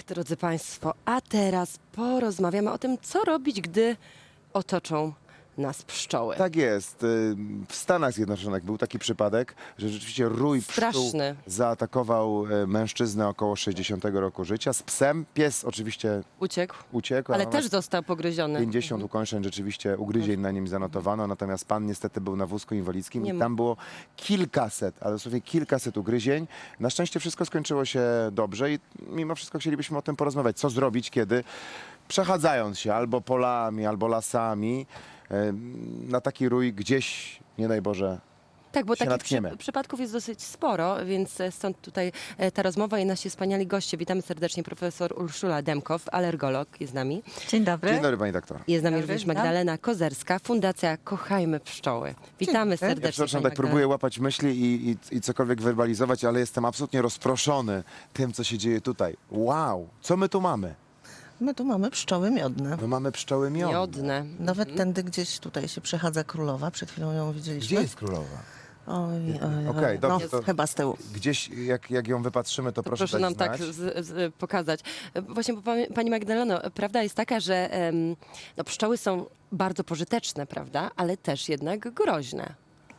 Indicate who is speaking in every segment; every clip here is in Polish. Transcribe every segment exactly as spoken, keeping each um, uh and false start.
Speaker 1: drodzy Państwo, a teraz porozmawiamy o tym, co robić, gdy otoczą nas pszczoły.
Speaker 2: Tak jest. Y, W Stanach Zjednoczonych był taki przypadek, że rzeczywiście rój pszczół
Speaker 1: Straszny.
Speaker 2: zaatakował e, mężczyznę około sześćdziesiątego roku życia z psem. Pies oczywiście
Speaker 1: Uciekł,
Speaker 2: uciekł,
Speaker 1: ale
Speaker 2: a
Speaker 1: też został pogryziony.
Speaker 2: pięćdziesiąt ukończeń rzeczywiście ugryzień na nim zanotowano, natomiast pan niestety był na wózku inwalidzkim
Speaker 1: Nie
Speaker 2: i
Speaker 1: ma-
Speaker 2: tam było kilkaset, ale dosłownie kilkaset ugryzień. Na szczęście wszystko skończyło się dobrze i mimo wszystko chcielibyśmy o tym porozmawiać. Co zrobić, kiedy przechadzając się albo polami, albo lasami, e, na taki rój gdzieś, nie daj Boże,
Speaker 1: Tak, bo
Speaker 2: się
Speaker 1: takich
Speaker 2: natkniemy.
Speaker 1: przy, przypadków jest dosyć sporo, więc e, stąd tutaj e, ta rozmowa i nasi wspaniali goście. Witamy serdecznie profesor Urszula Demkow, alergolog, jest z nami.
Speaker 3: Dzień dobry.
Speaker 2: Dzień dobry pani doktor.
Speaker 1: Jest z nami
Speaker 3: Dobry,
Speaker 1: również
Speaker 3: witam.
Speaker 1: Magdalena Kozerska, Fundacja Kochajmy Pszczoły. Witamy
Speaker 3: dobry.
Speaker 1: serdecznie.
Speaker 2: Ja przepraszam,
Speaker 1: pani
Speaker 2: tak próbuję łapać myśli i, i, i cokolwiek werbalizować, ale jestem absolutnie rozproszony tym, co się dzieje tutaj. Wow, co my tu mamy?
Speaker 4: My tu mamy pszczoły miodne.
Speaker 2: My mamy pszczoły miodne.
Speaker 1: Miodne.
Speaker 4: Nawet tędy gdzieś tutaj się przechadza królowa, przed chwilą ją widzieliśmy.
Speaker 2: Gdzie jest królowa?
Speaker 4: Oj, oj,
Speaker 2: Okej,
Speaker 4: oj.
Speaker 2: dobrze,
Speaker 4: No,
Speaker 2: to-
Speaker 4: chyba z tyłu.
Speaker 2: Gdzieś, jak, jak ją wypatrzymy, to,
Speaker 1: To
Speaker 2: proszę,
Speaker 1: proszę
Speaker 2: dać
Speaker 1: nam
Speaker 2: znać.
Speaker 1: tak z, z, pokazać. Właśnie, bo pani- pani Magdaleno, prawda jest taka, że em, no, pszczoły są bardzo pożyteczne, prawda, ale też jednak groźne.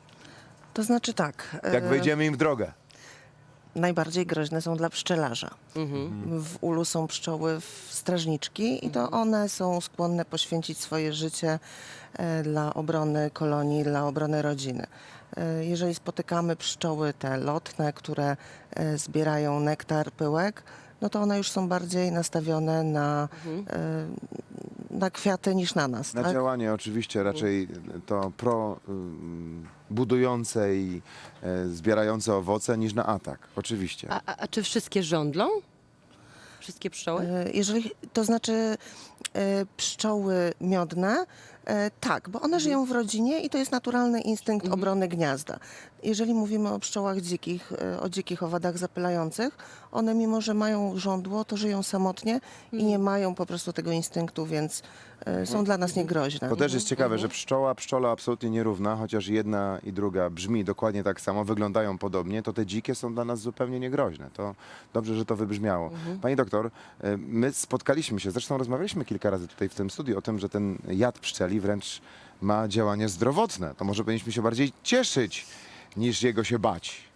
Speaker 4: To znaczy tak,
Speaker 2: Jak
Speaker 4: e,
Speaker 2: wejdziemy im w drogę.
Speaker 4: najbardziej groźne są dla pszczelarza.
Speaker 1: Mhm.
Speaker 4: W ulu są pszczoły w strażniczki i to one są skłonne poświęcić swoje życie e, dla obrony kolonii, dla obrony rodziny. E, Jeżeli spotykamy pszczoły te lotne, które e, zbierają nektar, pyłek, no to one już są bardziej nastawione na, e, na kwiaty niż na nas.
Speaker 2: Na
Speaker 4: tak?
Speaker 2: działanie oczywiście raczej to pro ym, budujące i e, zbierające owoce niż na atak. Oczywiście.
Speaker 1: A, a, a czy wszystkie żądlą? Wszystkie pszczoły?
Speaker 4: E, Jeżeli, to znaczy e, pszczoły miodne, e, tak, bo one żyją w rodzinie i to jest naturalny instynkt obrony gniazda. Jeżeli mówimy o pszczołach dzikich, e, o dzikich owadach zapylających, one mimo, że mają żądło, to żyją samotnie i nie mają po prostu tego instynktu, więc e, są dla nas niegroźne.
Speaker 2: To też jest ciekawe, że pszczoła, pszczola absolutnie nierówna, chociaż jedna i druga brzmi dokładnie tak samo, wyglądają podobnie, to te dzikie są dla nas zupełnie niegroźne. To dobrze, że to wybrzmiało. Pani doktor, e, my spotkaliśmy się, zresztą rozmawialiśmy kilka razy tutaj w tym studiu o tym, że ten jad pszczeli wręcz ma działanie zdrowotne. To może powinniśmy się bardziej cieszyć, niż jego się bać.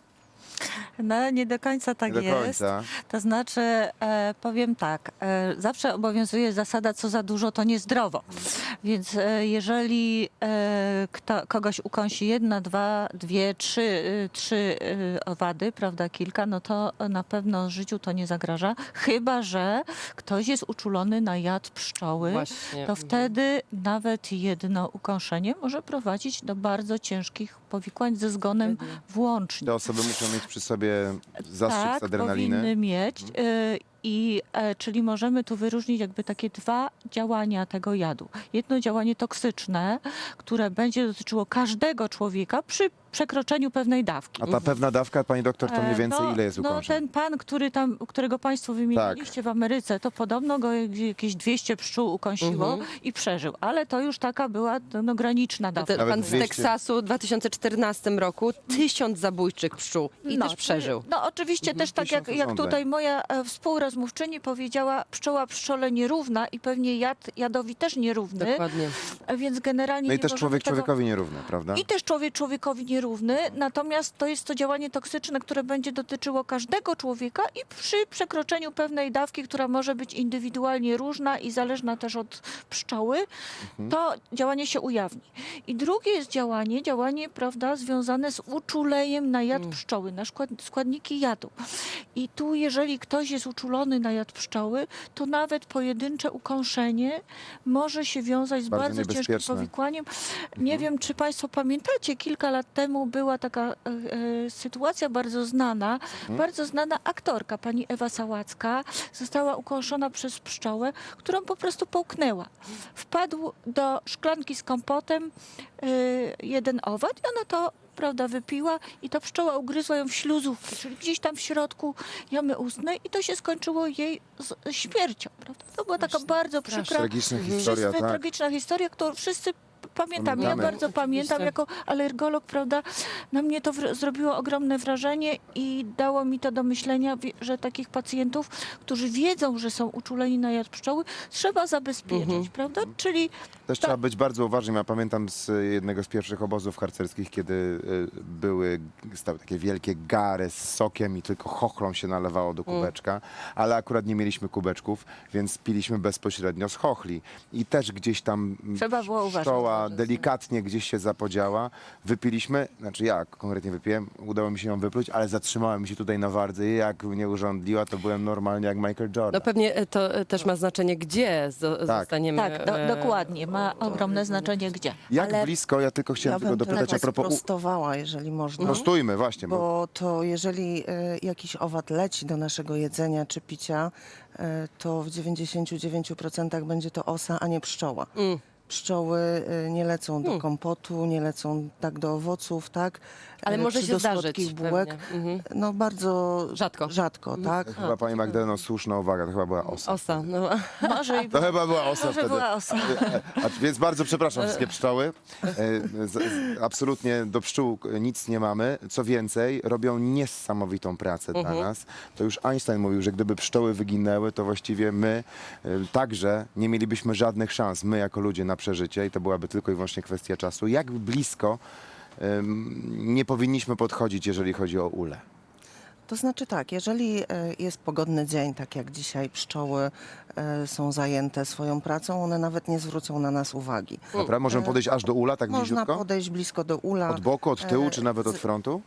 Speaker 3: No nie do końca tak
Speaker 2: Nie do
Speaker 3: jest.
Speaker 2: końca.
Speaker 3: To znaczy, e, powiem tak, e, zawsze obowiązuje zasada, co za dużo, to niezdrowo. Więc e, jeżeli e, kto, kogoś ukąsi jedna, dwa, dwie, trzy, e, trzy e, owady, prawda, kilka, no to na pewno życiu to nie zagraża. Chyba że ktoś jest uczulony na jad pszczoły,
Speaker 1: Właśnie.
Speaker 3: to
Speaker 1: Mhm.
Speaker 3: wtedy nawet jedno ukąszenie może prowadzić do bardzo ciężkich powikłań ze zgonem włącznie.
Speaker 2: Te osoby muszą mieć przy sobie zastrzyk
Speaker 3: Tak,
Speaker 2: z adrenaliny.
Speaker 3: powinny mieć. y, I, e, czyli możemy tu wyróżnić jakby takie dwa działania tego jadu. Jedno działanie toksyczne, które będzie dotyczyło każdego człowieka przy przekroczeniu pewnej dawki.
Speaker 2: A ta pewna dawka, pani doktor, to mniej
Speaker 3: E,
Speaker 2: więcej
Speaker 3: no,
Speaker 2: ile jest
Speaker 3: No
Speaker 2: ukończeń?
Speaker 3: ten pan, który tam, którego państwo wymieniliście w Ameryce, to podobno go jakieś dwieście pszczół ukąsiło
Speaker 1: Mhm.
Speaker 3: i przeżył. Ale to już taka była no, graniczna dawka.
Speaker 1: Te,
Speaker 2: Nawet
Speaker 1: pan z
Speaker 2: dwieście.
Speaker 1: Teksasu w dwa tysiące czternastym roku tysiąc zabójczych pszczół i
Speaker 3: No,
Speaker 1: też przeżył.
Speaker 3: No oczywiście też tak jak,
Speaker 2: Tysiąc
Speaker 3: jak
Speaker 2: urządzeń.
Speaker 3: tutaj moja e, współrozmówczyni powiedziała, pszczoła pszczole nierówna i pewnie jad jadowi też nierówny,
Speaker 1: Dokładnie.
Speaker 3: e, więc generalnie
Speaker 2: No i
Speaker 3: nie
Speaker 2: też
Speaker 3: możemy
Speaker 2: człowiek
Speaker 3: tego...
Speaker 2: człowiekowi nierówny, prawda?
Speaker 3: I też człowiek człowiekowi nierówny, natomiast to jest to działanie toksyczne, które będzie dotyczyło każdego człowieka i przy przekroczeniu pewnej dawki, która może być indywidualnie różna i zależna też od pszczoły,
Speaker 2: Mhm.
Speaker 3: to działanie się ujawni. I drugie jest działanie, działanie, prawda, związane z uczuleniem na jad pszczoły, na skład, składniki jadu. I tu, jeżeli ktoś jest uczulony na jad pszczoły, to nawet pojedyncze ukąszenie może się wiązać z
Speaker 2: Bardzo
Speaker 3: bardzo, ciężkim
Speaker 2: niebezpieczne.
Speaker 3: powikłaniem. Nie wiem, czy Państwo pamiętacie, kilka lat temu była taka e, e, sytuacja bardzo znana, bardzo znana aktorka, pani Ewa Sałacka, została ukąszona przez pszczołę, którą po prostu połknęła. Wpadł do szklanki z kompotem e, jeden owad i ona to, prawda, wypiła i ta pszczoła ugryzła ją w śluzówkę, czyli gdzieś tam w środku jamy ustnej i to się skończyło jej z śmiercią, prawda? To była taka bardzo przykra,
Speaker 2: Tragiczna historia,
Speaker 3: wszyscy,
Speaker 2: tak.
Speaker 3: tragiczna historia, którą wszyscy pamiętam, ja
Speaker 2: Pamiętamy.
Speaker 3: bardzo pamiętam,
Speaker 1: Oczywiście.
Speaker 3: jako alergolog, prawda, na mnie to wr- zrobiło ogromne wrażenie i dało mi to do myślenia, wie- że takich pacjentów, którzy wiedzą, że są uczuleni na jad pszczoły, trzeba zabezpieczyć,
Speaker 1: Mhm.
Speaker 3: prawda, czyli
Speaker 2: Też trzeba być bardzo uważnym. Ja pamiętam z jednego z pierwszych obozów harcerskich, kiedy y, były stały takie wielkie gary z sokiem i tylko chochlą się nalewało do kubeczka, ale akurat nie mieliśmy kubeczków, więc piliśmy bezpośrednio z chochli. I też gdzieś tam mm,
Speaker 3: Trzeba było uważać.
Speaker 2: pszczoła delikatnie gdzieś się zapodziała. Wypiliśmy, znaczy ja konkretnie wypiłem, udało mi się ją wypluć, ale zatrzymałem się tutaj na wardzy i jak mnie urządliła, to byłem normalnie jak Michael Jordan.
Speaker 1: No pewnie e, to e, też ma znaczenie, gdzie zo-
Speaker 2: Tak.
Speaker 1: zostaniemy.
Speaker 3: tak, do,
Speaker 1: e,
Speaker 3: dokładnie, ma ogromne znaczenie gdzie.
Speaker 2: Jak
Speaker 4: ale
Speaker 2: blisko, ja tylko chciałem
Speaker 4: Ja
Speaker 2: tylko
Speaker 4: bym
Speaker 2: dopytać
Speaker 4: trochę
Speaker 2: a propos... u-
Speaker 4: sprostowała, jeżeli można.
Speaker 2: Prostujmy, właśnie, bo
Speaker 4: Bo to jeżeli e, jakiś owad leci do naszego jedzenia czy picia, e, to w dziewięćdziesięciu dziewięciu procentach będzie to osa, a nie pszczoła.
Speaker 1: Mm.
Speaker 4: Pszczoły e, nie lecą do kompotu, nie lecą tak do owoców, tak?
Speaker 1: Ale
Speaker 4: E,
Speaker 1: może
Speaker 4: czy
Speaker 1: się
Speaker 4: do
Speaker 1: zdarzyć
Speaker 4: słodkich bułek.
Speaker 1: pewnie. Mhm.
Speaker 4: No bardzo
Speaker 1: Rzadko.
Speaker 4: rzadko, tak?
Speaker 2: chyba pani Magdaleno, słuszna uwaga, to chyba była osa.
Speaker 1: Osa, no.
Speaker 3: Może i
Speaker 2: To chyba była osa
Speaker 3: może
Speaker 2: wtedy.
Speaker 3: była osa.
Speaker 2: A, więc bardzo przepraszam wszystkie pszczoły. E, z, z, absolutnie do pszczół nic nie mamy. Co więcej, robią niesamowitą pracę dla nas. To już Einstein mówił, że gdyby pszczoły wyginęły, to właściwie my e, także nie mielibyśmy żadnych szans, my jako ludzie, na przeżycie i to byłaby tylko i wyłącznie kwestia czasu. Jak blisko em, nie powinniśmy podchodzić, jeżeli chodzi o ulę?
Speaker 4: To znaczy tak, jeżeli e, jest pogodny dzień, tak jak dzisiaj pszczoły e, są zajęte swoją pracą, one nawet nie zwrócą na nas uwagi.
Speaker 2: Dobra, możemy podejść aż do ula, tak
Speaker 4: Można
Speaker 2: bliziutko?
Speaker 4: podejść blisko do ula.
Speaker 2: Od boku, od tyłu,
Speaker 4: E,
Speaker 2: czy nawet od
Speaker 4: z-
Speaker 2: frontu?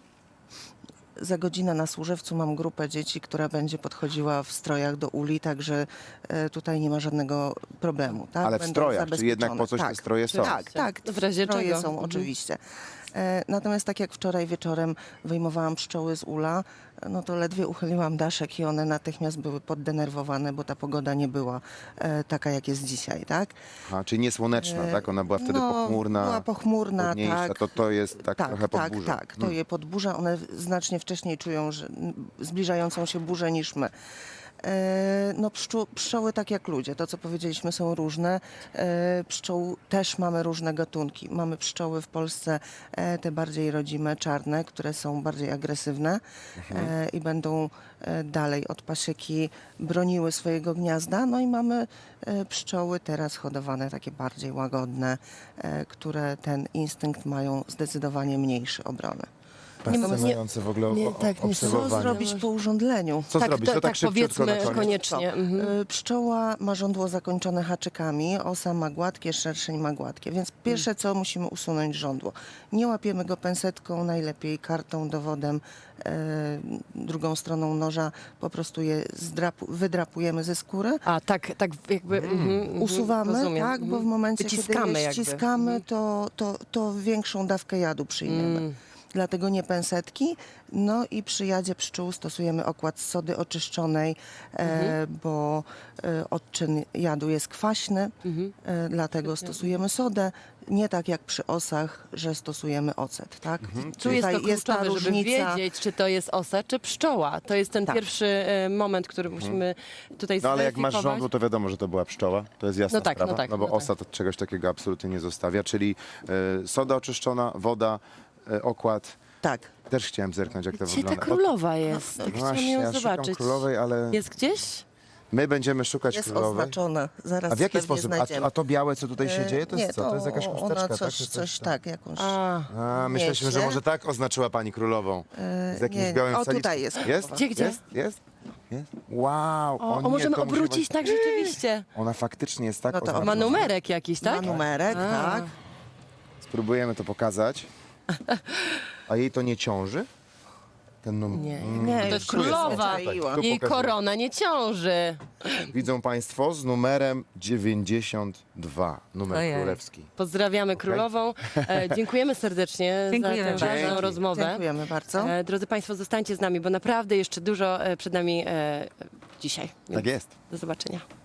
Speaker 4: Za godzinę na Służewcu mam grupę dzieci, która będzie podchodziła w strojach do uli, także e, tutaj nie ma żadnego problemu. Tak?
Speaker 2: Ale w
Speaker 4: Będą
Speaker 2: strojach, czyli jednak po coś te
Speaker 4: zabezpieczone.
Speaker 2: stroje są.
Speaker 4: Tak, tak.
Speaker 1: W razie
Speaker 4: stroje
Speaker 1: czego.
Speaker 4: są
Speaker 1: Mhm.
Speaker 4: oczywiście. E, Natomiast tak jak wczoraj wieczorem wyjmowałam pszczoły z ula, no to ledwie uchyliłam daszek i one natychmiast były poddenerwowane, bo ta pogoda nie była e, taka, jak jest dzisiaj, tak?
Speaker 2: Aha, czyli niesłoneczna,
Speaker 4: E,
Speaker 2: tak? Ona była wtedy
Speaker 4: no,
Speaker 2: pochmurna,
Speaker 4: była pochmurna,
Speaker 2: chłodniejsza,
Speaker 4: tak.
Speaker 2: to to jest tak,
Speaker 4: Tak,
Speaker 2: trochę
Speaker 4: tak,
Speaker 2: podburza.
Speaker 4: tak, to
Speaker 2: Mm.
Speaker 4: je podburza. One znacznie wcześniej czują że, m, zbliżającą się burzę niż my. E, No pszczół, pszczoły tak jak ludzie, to co powiedzieliśmy są różne. E, Pszczół też mamy różne gatunki. Mamy pszczoły w Polsce e, te bardziej rodzime, czarne, które są bardziej agresywne e, i będą e, dalej od pasieki broniły swojego gniazda. No i mamy e, pszczoły teraz hodowane takie bardziej łagodne, e, które ten instynkt mają zdecydowanie mniejszy obrony.
Speaker 2: Fascynujące w ogóle
Speaker 1: nie,
Speaker 2: o-
Speaker 1: tak, nie
Speaker 4: Co
Speaker 2: obserwowanie.
Speaker 4: zrobić po urządleniu?
Speaker 2: Co
Speaker 1: tak,
Speaker 2: zrobić?
Speaker 1: to,
Speaker 2: To tak,
Speaker 1: tak
Speaker 2: szybciutko na
Speaker 1: powiedzmy
Speaker 2: koniec.
Speaker 1: koniecznie. Mhm.
Speaker 4: Y, Pszczoła ma żądło zakończone haczykami, osa ma gładkie, szerszeń ma gładkie, więc pierwsze co musimy usunąć żądło. Nie łapiemy go pensetką, najlepiej kartą, dowodem, e, drugą stroną noża, po prostu je zdrapu, wydrapujemy ze skóry.
Speaker 1: A tak, tak jakby mhm, mhm,
Speaker 4: Usuwamy,
Speaker 1: rozumiem,
Speaker 4: tak, bo w
Speaker 1: mhm.
Speaker 4: momencie,
Speaker 1: Wyciskamy
Speaker 4: kiedy je
Speaker 1: jakby.
Speaker 4: ściskamy,
Speaker 1: Mhm.
Speaker 4: to, to, to większą dawkę jadu przyjmiemy.
Speaker 1: Mm.
Speaker 4: Dlatego nie pensetki. No i przy jadzie pszczół stosujemy okład z sody oczyszczonej, e, bo e, odczyn jadu jest kwaśny,
Speaker 1: Mhm.
Speaker 4: e, dlatego stosujemy sodę. Nie tak jak przy osach, że stosujemy ocet, tak?
Speaker 1: Tu jest to
Speaker 4: Tutaj ta
Speaker 1: kluczowe, żeby
Speaker 4: różnica.
Speaker 1: wiedzieć, czy to jest osa, czy pszczoła. To jest ten
Speaker 4: Tak.
Speaker 1: pierwszy e, moment, który musimy tutaj
Speaker 2: No ale jak masz
Speaker 1: zweryfikować.
Speaker 2: żądło, to wiadomo, że to była pszczoła. To jest jasna
Speaker 1: No tak, no
Speaker 2: sprawa.
Speaker 1: tak,
Speaker 2: no bo
Speaker 1: no tak.
Speaker 2: osa to czegoś takiego absolutnie nie zostawia. Czyli e, soda oczyszczona, woda, e, okład.
Speaker 4: Tak.
Speaker 2: Też chciałem zerknąć, jak to
Speaker 1: Gdzie ta
Speaker 2: wygląda.
Speaker 1: królowa jest? Tak
Speaker 2: No
Speaker 1: chciałam
Speaker 2: właśnie,
Speaker 1: ją
Speaker 2: ja szukam
Speaker 1: zobaczyć.
Speaker 2: królowej, ale
Speaker 1: Jest gdzieś?
Speaker 2: my będziemy szukać
Speaker 4: Jest
Speaker 2: królowej.
Speaker 4: oznaczona. Zaraz
Speaker 2: A w jaki
Speaker 4: pewnie
Speaker 2: sposób? A,
Speaker 4: znajdziemy.
Speaker 2: a to białe, co tutaj się
Speaker 4: E,
Speaker 2: dzieje, to jest
Speaker 4: nie,
Speaker 2: co? To jest jakaś chusteczka,
Speaker 4: ona
Speaker 2: tak?
Speaker 4: coś,
Speaker 2: Czy
Speaker 4: coś
Speaker 2: tam?
Speaker 4: tak, jakąś...
Speaker 1: A,
Speaker 2: A, myśleliśmy, że
Speaker 4: Nieźle.
Speaker 2: może tak oznaczyła pani królową. Z jakimś
Speaker 4: nie,
Speaker 2: białym
Speaker 4: o,
Speaker 2: saliczkiem.
Speaker 4: tutaj jest
Speaker 2: Jest?
Speaker 4: królowa.
Speaker 1: Gdzie, gdzie?
Speaker 2: Jest? Jest? Jest? Wow!
Speaker 1: o, o,
Speaker 2: nie,
Speaker 1: możemy
Speaker 2: to musi
Speaker 1: obrócić
Speaker 2: być-
Speaker 1: tak rzeczywiście.
Speaker 2: Ona faktycznie jest tak
Speaker 4: No to
Speaker 2: oznaczona.
Speaker 1: Ma numerek jakiś, tak?
Speaker 4: Ma numerek,
Speaker 1: A.
Speaker 4: tak.
Speaker 2: Spróbujemy to pokazać. A jej to nie ciąży? Ten numer.
Speaker 1: Nie,
Speaker 4: Nie,
Speaker 1: to
Speaker 4: już
Speaker 1: jest
Speaker 4: tu jest
Speaker 1: królowa.
Speaker 4: zaczaiła.
Speaker 2: Tu
Speaker 1: Jej
Speaker 2: pokazuję.
Speaker 1: korona nie ciąży.
Speaker 2: Widzą Państwo z numerem dziewięćdziesiąt dwa. Numer
Speaker 3: Ojej.
Speaker 2: królewski.
Speaker 1: Pozdrawiamy królową. E, dziękujemy serdecznie
Speaker 3: Dziękujemy
Speaker 1: za tę ważną
Speaker 2: bardzo.
Speaker 1: rozmowę.
Speaker 4: Dziękujemy bardzo.
Speaker 1: E, drodzy Państwo, zostańcie z nami, bo naprawdę jeszcze dużo e, przed nami e, dzisiaj.
Speaker 2: Tak jest.
Speaker 1: Do zobaczenia.